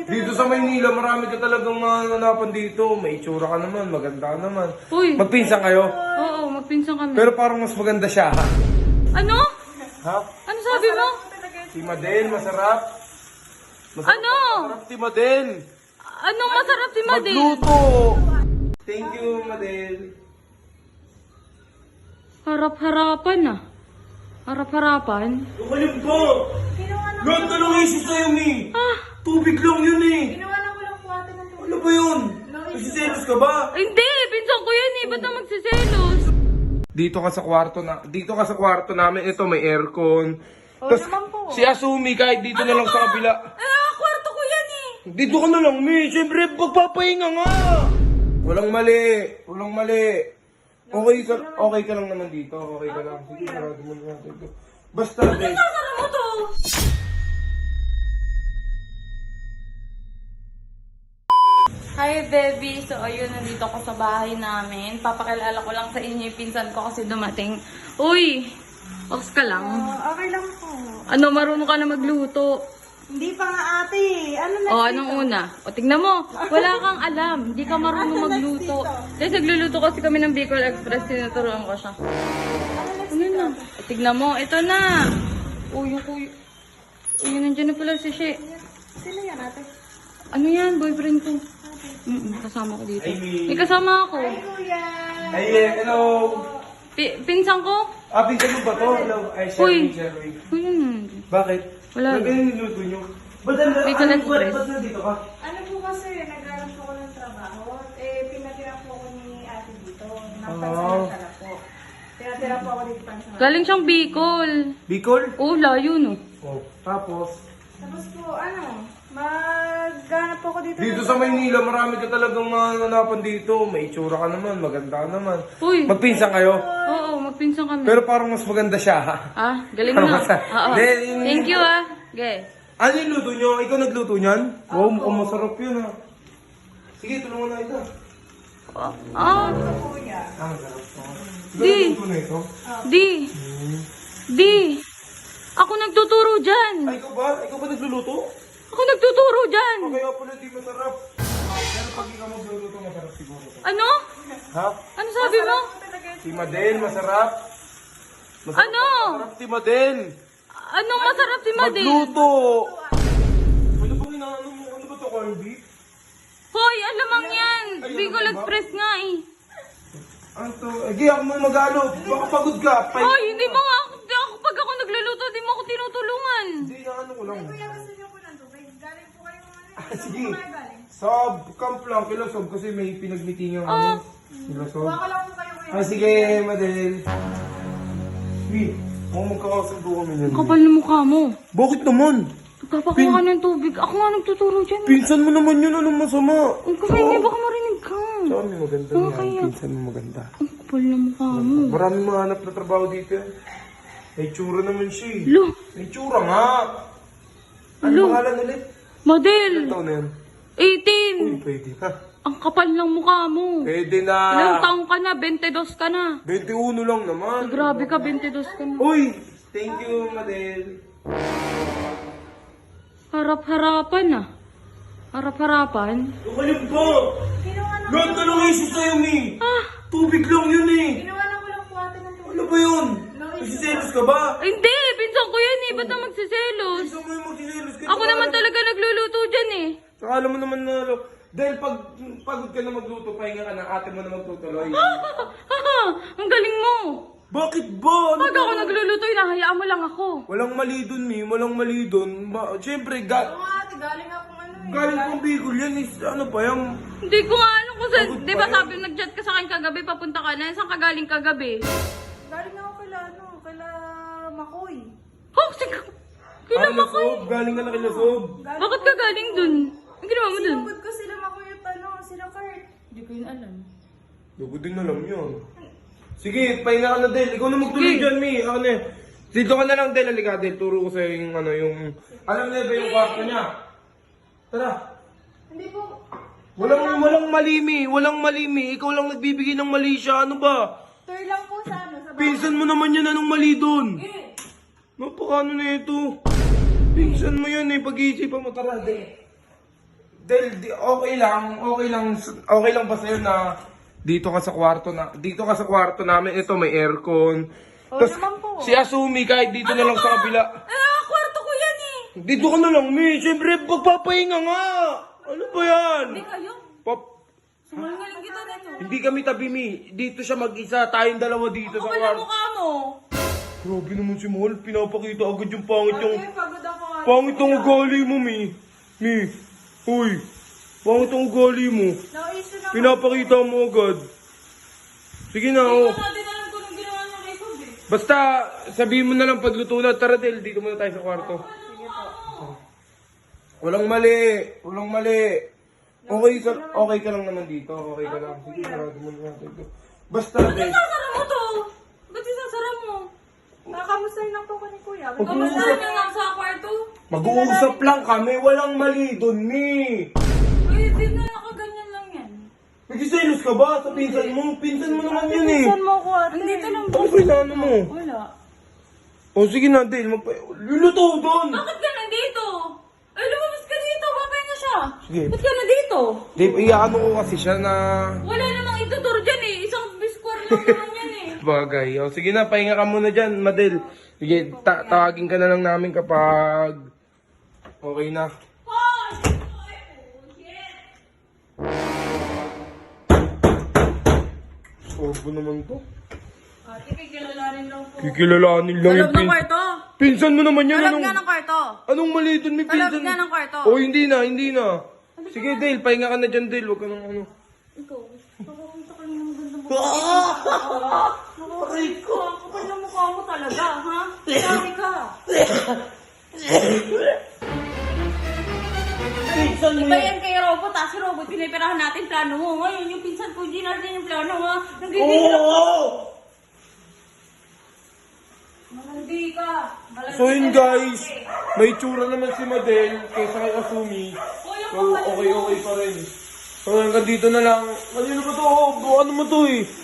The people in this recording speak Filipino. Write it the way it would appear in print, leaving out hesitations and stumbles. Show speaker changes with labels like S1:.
S1: dito.
S2: Dito sa Maynila, marami ka talagang mananapan dito. May itsura ka naman, maganda ka naman.
S3: Uy.
S2: Magpinsan kayo?
S3: Oo, magpinsan kami.
S2: Pero parang mas maganda siya, ha?
S3: Ano?
S2: Ha?
S3: Ano sabi mo?
S2: Si Madel, masarap.
S3: Ano?
S2: Masarap si Madel.
S3: Anong masarap si Madel?
S2: Magluto. Thank you, Madel.
S3: Harap-harapan ah. Harap-harapan?
S2: Umalim po! Lahat ka ng isis sa'yo, Mi! Tubig lang yun, eh!
S1: Ginawa ko lang po ate ng tubig.
S2: Ano ba yun? Nagsiselos ka ba?
S3: Hindi, pinsan ko yan eh. Ba't na magsiselos?
S2: Dito ka sa kwarto namin. Ito, may aircon. Tas,
S1: naman po.
S2: si Asumi, kahit dito na lang sa kabila.
S3: Kwarto ko yan eh.
S2: Dito ka na lang, Mi! Siyempre, pagpapahinga nga! Walang mali! Walang mali! Okay ka lang naman dito. Okay ka lang. Sige, sarado mo na natin ito. Basta, guys.
S3: Sasara mo to. Hi, baby. So, ayun, nandito ako sa bahay namin. Papakilala ko lang sa inyo yung pinsan ko kasi dumating. Uy! Ox ka lang.
S1: Okay lang po.
S3: Ano, marunong ka na magluto?
S1: Hindi pa nga ate. Ano na?
S3: O, anong una? O, tignan mo. Wala kang alam. Hindi ka marunong magluto. Kasi nagluluto kasi kami ng Bicol Express. Tinuturuan ko siya. Ano na? O, tignan mo. Ito na. Uy, yung kuya. Uy, nandiyan na pala si She.
S1: Sino yan ate?
S3: Ano yan? Boyfriend ko. Kasama ko dito.
S2: Ay, Mi.
S3: May kasama ako.
S1: Kuya.
S2: Ay, hello!
S3: Pinsan ko?
S2: Pinsan mo ba to? Hello. Ay,
S3: Uy.
S2: Sherry.
S3: Uy, yun.
S2: Bakit?
S3: Wala.
S2: Ba't ganyan niluto nyo? Ba't
S3: Bicol Express.
S2: ba't nandito ka?
S1: Ano po kasi, naghanap po ako ng trabaho. Pinatira po ako ni ate dito. Napansamantala po. Pinatira po ako dito pansamantala.
S3: Galing siyang Bicol.
S2: Bicol?
S3: Oh, layo no.
S2: Oh. Tapos?
S1: Tapos po, maghanap po ako dito.
S2: Dito sa Maynila, marami ka talagang mananapan dito. May itsura ka naman, maganda ka naman.
S3: Uy.
S2: Magpinsan kayo?
S3: Oo, magpinsan kami.
S2: Pero parang mas maganda siya, ha?
S3: Galing mo. Oo.
S2: Then-
S3: Thank you ah. Okay.
S2: Ano yung luto nyo? Ikaw nagluto niyan? Wow, mukhang masarap yun, ha? Sige, tulungan na ito.
S1: Kuya.
S2: Masarap. Ikaw
S3: Di.
S2: nagluto na ito?
S3: Di. Ako nagtuturo dyan.
S2: Ay, ikaw ba? Ikaw ba nagluluto?
S3: Ako nagtuturo dyan.
S2: Kaya pala di masarap. Pero pag ikaw magluluto, masarap siguro.
S3: Ano?
S2: Ha?
S3: Ano sabi mo?
S2: Si Madel, masarap.
S3: Ano?
S2: Masarap si Madel.
S3: Anong masarap si Madel?
S2: Magluto. Ano bang inaano mo? Ano ba ito, corned beef?
S3: Hoy, alamang yan.
S2: Ay,
S3: Bicol
S2: ano ba?
S3: Express nga eh.
S2: Ano to? Agi, ako mo mag-ano. Baka pagod ka.
S3: Hoy, hindi mo nga ako, pag ako nagluluto, hindi mo ako tinutulungan.
S2: Hindi, ano ko lang.
S1: Kuya, gusto niyo po ng tubig? Galing po kayo
S2: Sige.
S1: galing.
S2: Sob, camp lang. Kila Sob kasi may pinag-meetingan kami. Kila Sob.
S1: Kuha ko lang po kayo kuya.
S2: Sige, Madel. Sweet. Mukhang magkakasundo kami yan.
S3: Kapal na mukha mo.
S2: Bakit naman?
S3: Nagpapakuha ka ng tubig. Ako nga nagtuturo dyan.
S2: Pinsan mo naman yun. Anong masama?
S3: Ang kapal niya, baka marinig ka.
S2: Sa amin maganda
S3: Oo,
S2: yan.
S3: kaya.
S2: Pinsan mo maganda.
S3: Ang kapal na mukha mo.
S2: Maraming mahanap na trabaho dito yan. May tsura naman siya eh.
S3: Lo,
S2: May tsura nga. Ano
S3: Lo.
S2: pangalan ulit?
S3: model.
S2: Ilang taon na yan?
S3: 18.
S2: Uy, pwede na.
S3: Ang kapal ng mukha mo.
S2: Pwede na.
S3: Ilang taong ka na? 22 ka na.
S2: 21 lang naman.
S3: Grabe ka, 22 ka na.
S2: Uy! Thank you, Madel.
S3: Harap-harapan ah. Harap-harapan?
S2: Umalim po! Lahat ka ng isis sa'yo, Mi! Tubig lang yun eh!
S1: Ginawa ko lang po ate ng tubig.
S2: Ano ba yun? Nagsiselos ka ba?
S3: Hindi, pinsan ko yan eh. Ba't na magsiselos?
S2: Gusto mo yung magsiselos ka?
S3: Ako naman talaga nagluluto dyan eh.
S2: Saka alam mo naman na, dahil pag pagod ka na magluto, pahinga ka na, ate mo na magtutuloy.
S3: Ang galing mo.
S2: Bakit ba? Ano
S3: Pag
S2: ba?
S3: ako nagluluto, hinahayaan mo lang ako.
S2: Walang mali dun, Mi. Walang mali dun. Siyempre,
S1: Oo nga ate, galing ako
S2: galing kong Bicol yan is, ano ba yan?
S3: Hindi ko nga alam kung saan.
S2: Pagod
S3: Di
S2: pa
S3: ba
S2: yan.
S3: sabi nag-chat ka sa akin kagabi, papunta ka na. Saan ka galing kagabi?
S1: Galing ako kaila Makoy.
S3: Oh, sige. Kailan mo ko?
S2: Sob, galing ka na kila Sob.
S3: Bakit ka galing dun? Ang ginawa mo dun?
S1: Sinugod ko sila Makoy at sila Kurt.
S3: Hindi ko yun alam.
S2: Lugod din alam yun. Sige, pahinga ka na, Del. Ikaw na magtuloy
S3: Sige.
S2: dyan, Mi. Ako na. Dito ka na lang, Del. Halika, Del. Turo ko sa'yo yung ano, yung... Alam na ba yung kwarto niya? Tara.
S1: Hindi po.
S2: Walang mali, Mi. Walang mali, Mi. Ikaw lang nagbibigay ng mali siya. Ano ba?
S1: Tour lang po sa sa
S2: Pinsan mo naman yan. Anong mali doon? Napakano na ito? Pinsan mo yan eh. Pag-iisipan mo. Tara, Del. Okay lang ba sa'yo na dito ka sa kwarto namin, ito may aircon.
S3: Oo
S2: Tas,
S3: naman po.
S2: si Asumi kahit dito na lang sa kabila.
S3: Kwarto ko yan eh.
S2: Dito ka na lang, Mi. Siyempre, magpapahinga nga. Ano ba yan?
S3: Hindi kayo. Sumalungaling kita dito.
S2: Hindi kami tabi, Mi. Dito siya mag-isa. Tayong dalawa dito sa
S3: Kapal na
S2: kwarto.
S3: mukha mo.
S2: Grabe naman si Mahal. Pinapakita agad yung pangit yung...
S1: Ate, pagod ako. ate.
S2: Pangit ang ugali mo, Mi. Mi. Uy. Pangit ang ugali mo.
S1: Na-issue na.
S2: Pinapakita mo agad. Sige na,
S3: Hindi
S2: oh.
S3: ko natin alam kung anong ginawa niya kay Kobe.
S2: Basta, sabihin mo na lang pagluto na. Tara, Del. Dito muna tayo sa kwarto. Walang mali. Okay ka lang naman dito. Okay ka lang. Sige, sarado mo na natin ito. Basta,
S3: Ba't
S2: Del.
S3: isasara mo to? Ba't isasara mo?
S1: Nakamustahin lang po ko ni Kuya.
S3: Kamusta niya lang sa kwarto?
S2: Mag-uusap lang kami. Walang mali dun, Mi.
S3: Uy, di na nakaganyan lang yan.
S2: Nagsiselos ka ba sa pinsan mo? Pinsan mo naman yun eh.
S1: Pinsan mo ko, ate.
S3: Andito lang
S2: Ano kailangan mo?
S3: Wala.
S2: O sige na, Del. Luluto doon.
S3: Bakit ka nandito? Ay, lumabas ka dito. Babay na siya.
S2: Sige.
S3: Ba't ka nandito?
S2: Dave, iyaano ko kasi siya na...
S3: Wala namang ituturo dyan eh. Isang biskwar lang naman yan eh.
S2: Bagay. O sige na, pahinga ka muna dyan, Madel. Sige, tawagin ka na lang namin kapag... Okay na. Sorbo naman to.
S3: Ate, kikilalanin lang po.
S2: Kikilalanin lang yung
S3: Kalab ng kwarto.
S2: Pinsan mo naman yan.
S3: Kalab nga ng kwarto.
S2: Anong mali dun? May
S3: Kalab
S2: pinsan.
S3: nga ng kwarto.
S2: Oh, hindi na. Sige, Dale, pahinga ka na dyan, Dale. Huwag ka nang ano.
S3: Ikaw, nakakita ka lang ng ganda mo.
S2: Aray ko.
S3: Kapal na mukha mo talaga, ha? Sabi ka.
S2: Pinsan mo
S3: Iba
S2: yan.
S3: yan kay Robot, ha? Si Robot, pinipirahan natin plano mo. Ngayon, yung pinsan ko, hindi natin yung plano, ha? Nagigigil ako.
S2: Oo!
S3: Malandi ka. Malandi
S2: So yun
S3: ka
S2: guys,
S3: eh.
S2: may tsura naman si Madel kaysa kay Asumi.
S3: O, yung
S2: So
S3: kapal mo.
S2: okay pa rin. So hanggang dito na lang. Ano ba to? Ano mo to eh?